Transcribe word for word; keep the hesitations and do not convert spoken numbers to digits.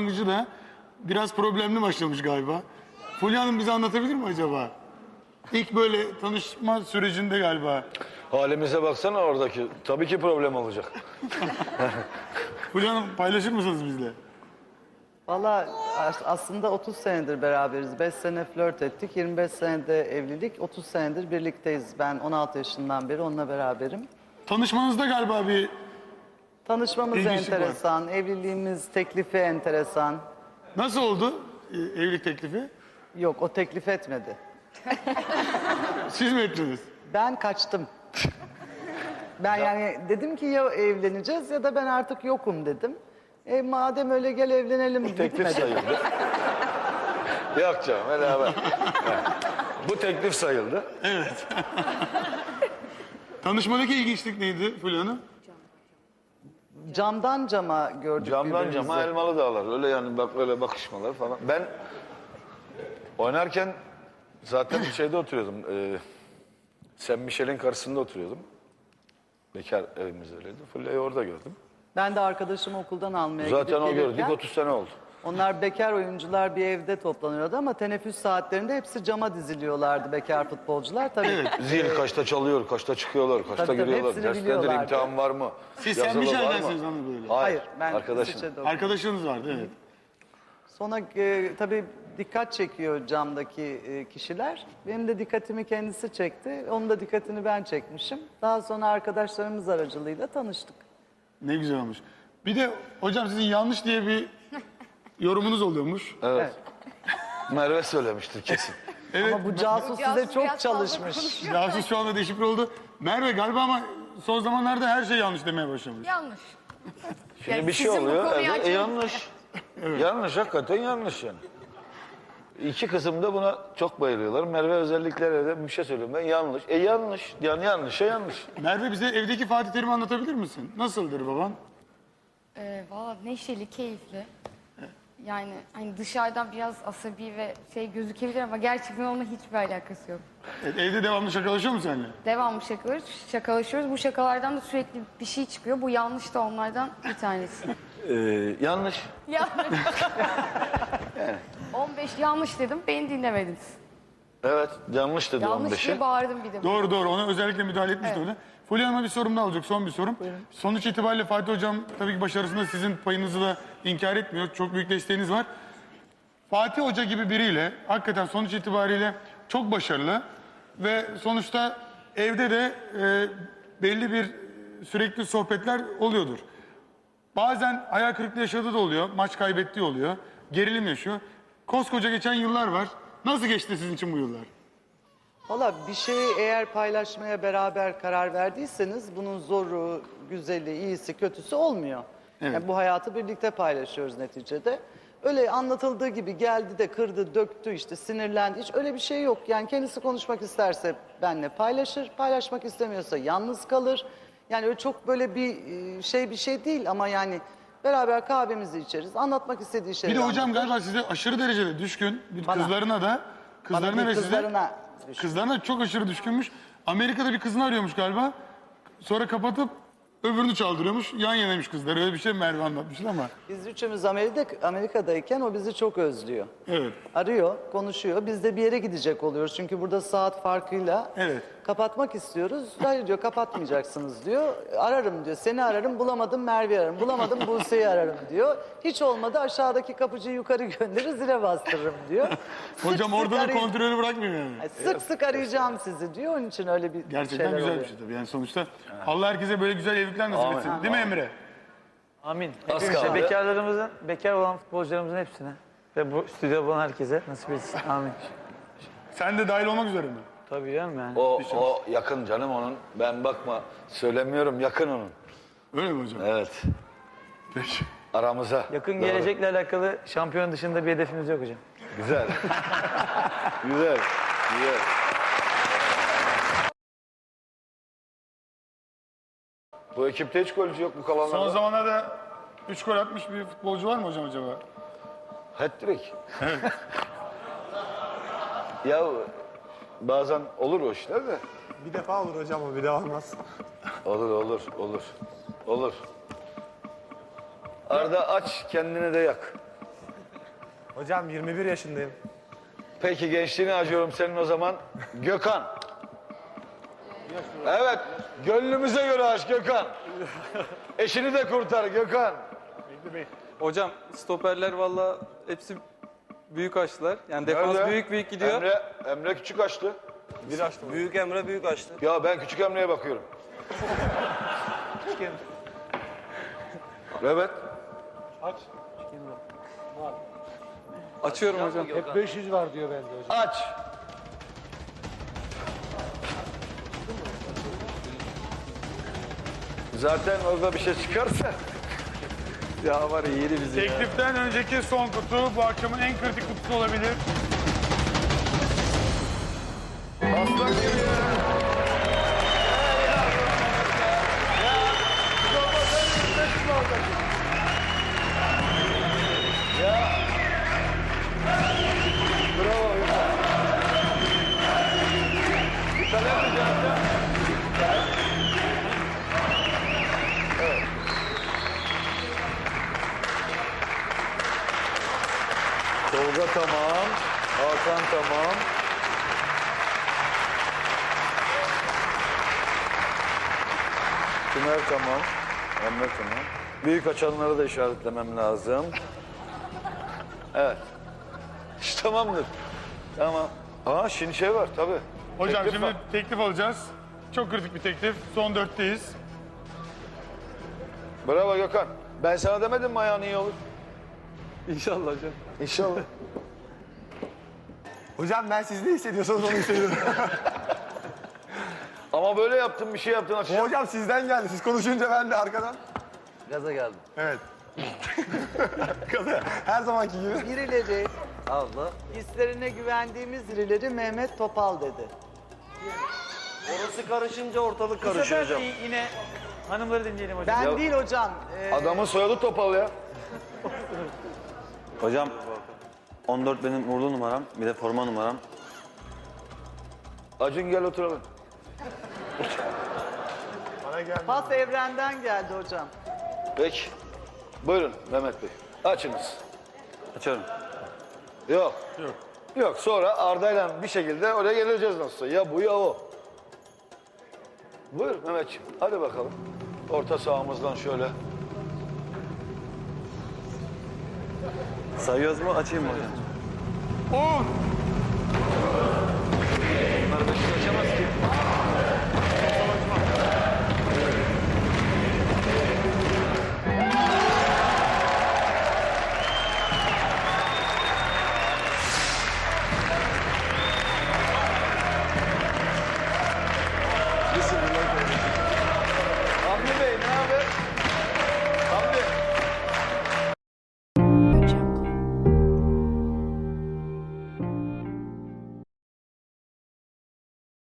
başlangıcı da biraz problemli başlamış galiba. Fulya Hanım bize anlatabilir mi acaba? İlk böyle tanışma sürecinde galiba. Halimize baksana oradaki. Tabii ki problem olacak. Fulya Hanım paylaşır mısınız bizle? Valla as- aslında otuz senedir beraberiz. beş sene flört ettik. yirmi beş senede evlilik. otuz senedir birlikteyiz. Ben on altı yaşından beri onunla beraberim. Tanışmanızda galiba bir... Tanışmamız İlginçlik var. enteresan. Evliliğimiz teklifi enteresan. Nasıl oldu e, evlilik teklifi? Yok, o teklif etmedi. Siz mi ettiniz? Ben kaçtım. Ben yani dedim ki ya evleneceğiz ya da ben artık yokum dedim. E madem öyle gel evlenelim. Teklif Gitmedi. sayıldı. Yok canım beraber. Bu teklif sayıldı. Tanışmadaki ilginçlik neydi Fulya Hanım? Camdan cama gördük Camdan birbirimizi. cama elmalı dağlar. Öyle yani bak öyle bakışmalar falan. Ben oynarken zaten şeyde oturuyordum. E, Sen Michel'in karşısında oturuyordum. Bekar evimiz öyleydi. Fulya'yı orada gördüm. Ben de arkadaşımı okuldan almaya Zaten gidip o gördük gelirken, otuz sene oldu. onlar bekar oyuncular bir evde toplanıyordu ama teneffüs saatlerinde hepsi cama diziliyorlardı bekar futbolcular. Tabii Zil kaçta çalıyor, kaçta çıkıyorlar, kaçta Tabii, tabii, giriyorlar. hepsini Derslerdir biliyorlardı. imtihan var mı? Siz Sen Yazılı var mı? Michel'densiniz hanım böyle. Hayır, Hayır, ben arkadaşım. İsviçre'de okudum. Arkadaşınız vardı evet. Sonra e, tabii dikkat çekiyor camdaki e, kişiler. Benim de dikkatimi kendisi çekti. Onun da dikkatini ben çekmişim. Daha sonra arkadaşlarımız aracılığıyla tanıştık. Ne güzel olmuş. Bir de hocam sizin yanlış diye bir yorumunuz oluyormuş. Evet. Merve söylemiştir kesin. Evet. Ama bu casus size Casus çok biraz fazla çalışmış. konuşuyor. Casus şu anda deşifre oldu. Merve galiba ama son zamanlarda her şey yanlış demeye başlamış. Yanlış. Şimdi Yani bir şey sizin bu oluyor, konuyu evet, e, açın. yanlış. Yanlış, hakikaten yanlış yani. İki kızım da buna çok bayılıyorlar. Merve özellikle de bir şey söylüyorum ben yanlış. E yanlış, yani yanlışa yanlış. Merve bize evdeki Fatih Terim'i anlatabilir misin? Nasıldır baban? Ee, Valla neşeli, keyifli. Yani hani dışarıdan biraz asabi ve şey gözükebilir ama gerçekten onunla hiçbir alakası yok. Evet, evde devamlı şakalaşıyor mu seninle? Devamlı şakalarız, şakalaşıyoruz. Bu şakalardan da sürekli bir şey çıkıyor. Bu yanlış da onlardan bir tanesi. Ee, yanlış. Yanlış. on beş yanlış dedim, beni dinlemediniz. Evet, yanlış dedi on Yanlış beşi. diye bağırdım bir de. Doğru doğru ona özellikle müdahale etmişti öyle. Fulya Hanım'a bir sorum daha olacak, son bir sorum. Sonuç itibariyle Fatih Hocam tabii ki başarısında sizin payınızı da inkar etmiyor. Çok büyük desteğiniz var. Fatih Hoca gibi biriyle hakikaten sonuç itibariyle çok başarılı ve sonuçta evde de e, belli bir sürekli sohbetler oluyordur. Bazen hayal kırıklığı yaşadığı da oluyor, maç kaybettiği oluyor, gerilim yaşıyor. Koskoca geçen yıllar var. Nasıl geçti sizin için bu yıllar? Valla bir şeyi eğer paylaşmaya beraber karar verdiyseniz bunun zoru, güzeli, iyisi, kötüsü olmuyor. Evet. Yani bu hayatı birlikte paylaşıyoruz neticede. Öyle anlatıldığı gibi geldi de kırdı, döktü işte sinirlendi. Hiç öyle bir şey yok. Yani kendisi konuşmak isterse benimle paylaşır, paylaşmak istemiyorsa yalnız kalır. Yani öyle çok böyle bir e, şey bir şey değil ama yani beraber kahvemizi içeriz. Anlatmak istediği Bir şeyleri de hocam anlatır. galiba size aşırı derecede düşkün. Bir Bana. kızlarına da, kızlarına Bana ve değil, size. kızlarına düşkün. Kızlarına çok aşırı düşkünmüş. Amerika'da bir kızını arıyormuş galiba. Sonra kapatıp öbürünü çaldırıyormuş. Yan yanaymış kızlar. Öyle bir şey Merve anlatmıştı ama. Biz üçümüz Amerika'da, Amerika'dayken o bizi çok özlüyor. Evet. Arıyor, konuşuyor. Biz de bir yere gidecek oluyoruz. Çünkü burada saat farkıyla Evet. kapatmak istiyoruz. Hayır diyor, kapatmayacaksınız diyor. Ararım diyor. Seni ararım, bulamadım Merve'yi ararım. Bulamadım Buse'yi ararım diyor. Hiç olmadı aşağıdaki kapıcıyı yukarı gönderir, zile bastırırım diyor. Sık Hocam sık orada da arayacağım. kontrolü bırakmıyor yani. Ay, Sık sık arayacağım sizi diyor. Onun için öyle bir Gerçekten şeyler güzel oluyor. bir şey tabii. Yani sonuçta Allah herkese böyle güzel evlilikler nasip Amin. etsin. Değil mi Emre? Amin. Az Hepimize, kaldı. bekarlarımızın, bekar olan futbolcularımızın hepsine ve bu stüdyoda bulunan herkese nasip etsin. Amin. Sen de dahil olmak üzere mi? Tabii canım yani. O, o yakın canım onun. Ben bakma söylemiyorum yakın onun. Öyle mi hocam? Evet. Peki. Aramıza. Yakın Doğru. gelecekle alakalı şampiyon dışında bir hedefimiz yok hocam. Güzel. güzel. Güzel. Bu ekipte hiç golcü yok bu kalanlarda. Son zamanlarda üç gol atmış bir futbolcu var mı hocam acaba? Hat-trick. ya bazen olur o işler de. Bir defa olur hocam o bir daha olmaz. Olur olur olur. Olur. Arda aç kendini de yak. Hocam yirmi bir yaşındayım. Peki gençliğini acıyorum senin o zaman. Gökhan. Evet, gönlümüze göre aç Gökhan. Eşini de kurtar Gökhan. Hocam stoperler valla hepsi büyük açtılar. Yani defans Nerede? büyük büyük gidiyor. Emre, Emre küçük açtı. Bir açtım. Büyük Emre büyük açtı. Ya ben küçük Emre'ye bakıyorum. Evet. Açıyorum hocam. beş yüz var diyor bende hocam. Aç. Zaten orada bir şey çıkarsa. Ya var ya yeri bizi ya. Tekliften önceki son kutu bu akşamın en kritik kutusu olabilir. Aslan gibi ya. Bravo ya. Bir tane yapacağız ya. Evet. Tolga tamam. Hakan tamam. Tümer tamam. Emre tamam. Büyük açanları da işaretlemem lazım. Evet. İşte tamamdır. Tamam. Aa şimdi şey var tabii. Hocam Teklif şimdi var. teklif alacağız. Çok kritik bir teklif. Son dörtteyiz. Bravo Gökhan. Ben sana demedim mi ayağın iyi olur? İnşallah hocam. İnşallah. Hocam ben siz ne hissediyorsanız onu hissediyorum. Ama böyle yaptın bir şey yaptın Bu akşam. hocam sizden geldi. Siz konuşunca ben de arkadan. Gaza geldim. Evet. Her zamanki gibi. Birileri, Allah, hislerine güvendiğimiz birileri Mehmet Topal dedi. Orası karışınca ortalık Bu karışıyor sefer hocam. yine hanımları dinleyelim hocam. Ben Ya- değil hocam. ee, Adamın soyadı Topal ya. Hocam on dört benim uğurlu numaram, bir de forma numaram. Acun gel oturalım. Bana geldi. Pas evrenden geldi hocam. Peki. Buyurun Mehmet Bey. Açınız. Açıyorum. Yok. Yok. Yok sonra Arda'yla bir şekilde oraya geleceğiz nasılsa. Ya bu ya o. Buyur Mehmetciğim. Hadi bakalım. Orta sahamızdan şöyle. Sayıyoruz mu? Açayım mı hocam? on,